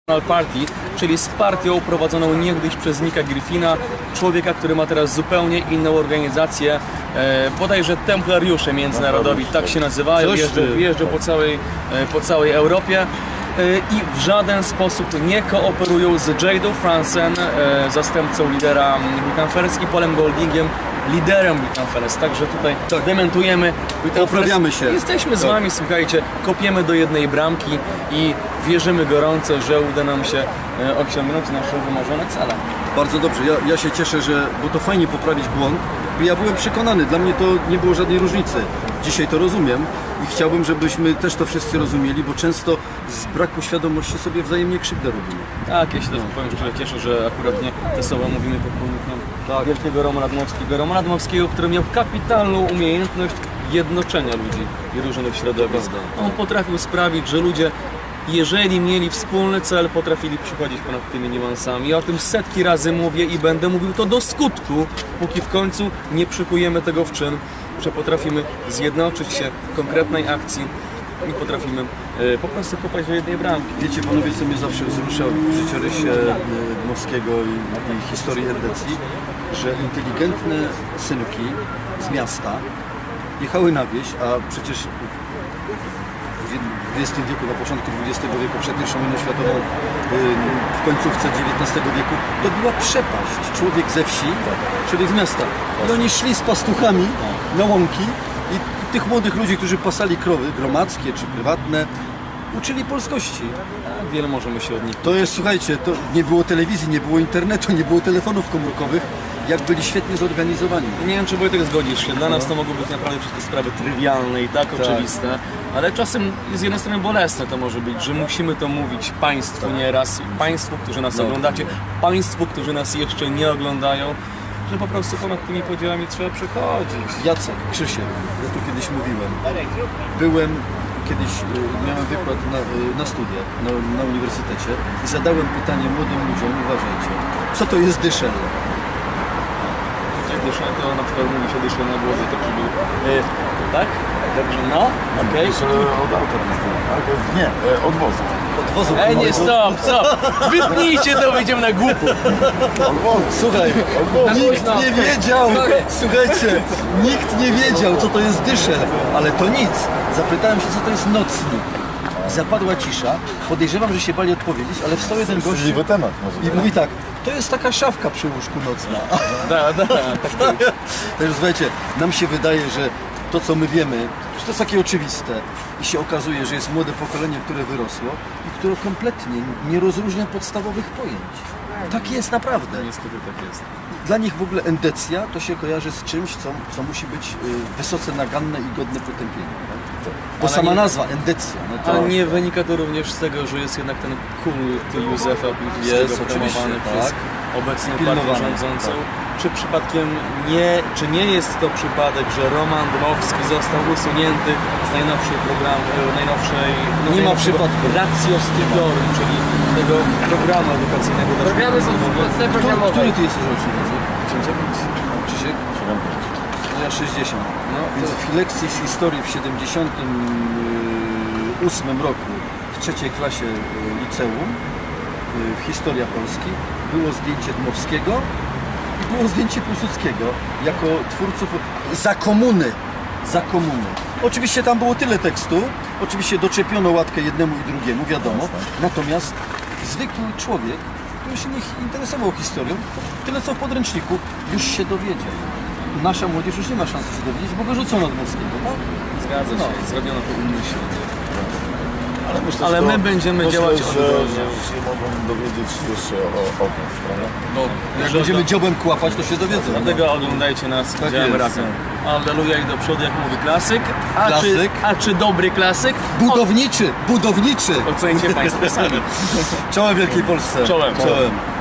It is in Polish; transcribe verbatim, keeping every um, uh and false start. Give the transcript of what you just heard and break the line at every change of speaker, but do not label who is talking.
Party, czyli z partią prowadzoną niegdyś przez Nicka Griffina, człowieka, który ma teraz zupełnie inną organizację, e, bodajże Templariusze Międzynarodowi, tak się nazywają, jeżdżą, jeżdżą po całej, e, po całej Europie e, i w żaden sposób nie kooperują z Jadą Franzen, e, zastępcą lidera Wittenfels, i Polem Goldingiem, liderem Wittenfels, także tutaj
tak.
dementujemy.
Poprawiamy się.
Jesteśmy z
tak.
wami, słuchajcie, kopiemy do jednej bramki i wierzymy gorąco, że uda nam się e, osiągnąć nasze wymarzone cele.
Bardzo dobrze, ja, ja się cieszę, że, bo to fajnie poprawić błąd. Ja byłem przekonany, dla mnie to nie było żadnej różnicy. Dzisiaj to rozumiem i chciałbym, żebyśmy też to wszyscy rozumieli, bo często z braku świadomości sobie wzajemnie krzywdę robimy.
Tak, ja się też powiem szczerze cieszę, że akurat nie te słowa mówimy pod pomnikiem tak. wielkiego Romana Dmowskiego. Romana Dmowskiego, który miał kapitalną umiejętność jednoczenia ludzi i różnych środowisk. On potrafił sprawić, że ludzie, jeżeli mieli wspólny cel, potrafili przychodzić ponad tymi niuansami. Ja o tym setki razy mówię i będę mówił to do skutku, póki w końcu nie przykujemy tego w czyn, że potrafimy zjednoczyć się w konkretnej akcji i potrafimy e, po prostu popaść do jednej bramki.
Wiecie panowie, co mnie zawsze wzrusza w życiorysie Dmowskiego i, i historii Endecji, że inteligentne synki z miasta jechały na wieś, a przecież w dwudziestym wieku, na początku dwudziestego wieku, przed pierwszą wojną światową, w końcówce dziewiętnastego wieku, to była przepaść. Człowiek ze wsi, człowiek z miasta. I oni szli z pastuchami na łąki i tych młodych ludzi, którzy pasali krowy, gromadzkie czy prywatne, uczyli polskości.
Wiele możemy się od nich.
To jest, słuchajcie, to nie było telewizji, nie było internetu, nie było telefonów komórkowych, jak byli świetnie zorganizowani.
Nie wiem, czy Wojtek zgodzisz się. Dla nas to mogą być naprawdę wszystkie sprawy trywialne i tak, tak oczywiste, ale czasem z jednej strony bolesne to może być, że musimy to mówić Państwu nieraz, Państwu, którzy nas no. oglądacie, Państwu, którzy nas jeszcze nie oglądają, że po prostu ponad tymi podziałami trzeba przechodzić.
Jacek, Krzysiek, ja tu kiedyś mówiłem, byłem kiedyś, miałem wykład na, na studiach na, na uniwersytecie i zadałem pytanie młodym ludziom, uważajcie, co to jest dyszel?
Dyszel to na przykład mówi się dyszel na głowie, tak żeby... Yy, tak? Dobrze, no, okej.
Okay. Od auta tak? Nie, od wozu.
Od wozu.
Ej, nie, stop, stop! Wypnijcie to, wyjdziemy na głupu.
Słuchaj, nikt nie wiedział, słuchajcie, nikt nie wiedział, co to jest dyszel, ale to nic. Zapytałem się, co to jest nocnik. Zapadła cisza, podejrzewam, że się bali odpowiedzieć, ale wstał jeden gość
temat może
i mówi tak, to jest taka szafka przy łóżku nocna.
Da, da, tak.
Także słuchajcie, nam się wydaje, że to, co my wiemy, że to jest takie oczywiste i się okazuje, że jest młode pokolenie, które wyrosło i które kompletnie nie rozróżnia podstawowych pojęć. Tak jest naprawdę.
Niestety tak jest.
Dla nich w ogóle endecja to się kojarzy z czymś, co, co musi być y, wysoce naganne i godne potępienia. Bo
Ale
sama
nie,
nazwa, endecja. No to...
Ale nie wynika to również z tego, że jest jednak ten kult Józefa Piłsudskiego promowany przez
tak.
obecną
Pilnowany,
partię rządzącą.
tak.
Czy przypadkiem nie, czy nie jest to przypadek, że Roman Dmowski został usunięty z najnowszej programu, najnowszej... No,
nie ma przypadku.
Ratio Studiorum, czyli tego programu edukacyjnego.
Programy są w Polsce programowe.
Który ty jesteś rocznik? Krzysiek?
siedemdziesiąt.
No ja sześćdziesiąt. No, więc w lekcji z historii w siedemdziesiątym ósmym roku w trzeciej klasie liceum w Historia Polski było zdjęcie Dmowskiego i było zdjęcie Piłsudskiego jako twórców za komuny. Za komuny. Oczywiście tam było tyle tekstu, oczywiście doczepiono łatkę jednemu i drugiemu, wiadomo. Natomiast zwykły człowiek, który się nie interesował historią, tyle co w podręczniku, już się dowiedział. Nasza młodzież już nie ma szansy się dowiedzieć, bo wyrzucono Dmowskiego, tak?
Zgadza się, no. Zrobiono to umyślnie.
Ale, myślę,
Ale
to,
my będziemy
myślę,
działać
że,
odwrotnie.
że się mogą dowiedzieć jeszcze o, o tym, prawda?
No,
Jak będziemy dziobem kłapać, to się dowiedzą.
Dlatego oglądajcie nas,
Tak
działamy
jest.
razem. Alleluja i do przodu, jak mówi klasyk. A,
Klasyk.
Czy, a czy dobry klasyk?
Budowniczy, budowniczy!
Ocencie Państwo sami.
Czołem Wielkiej Polsce.
Czołem.
Czołem.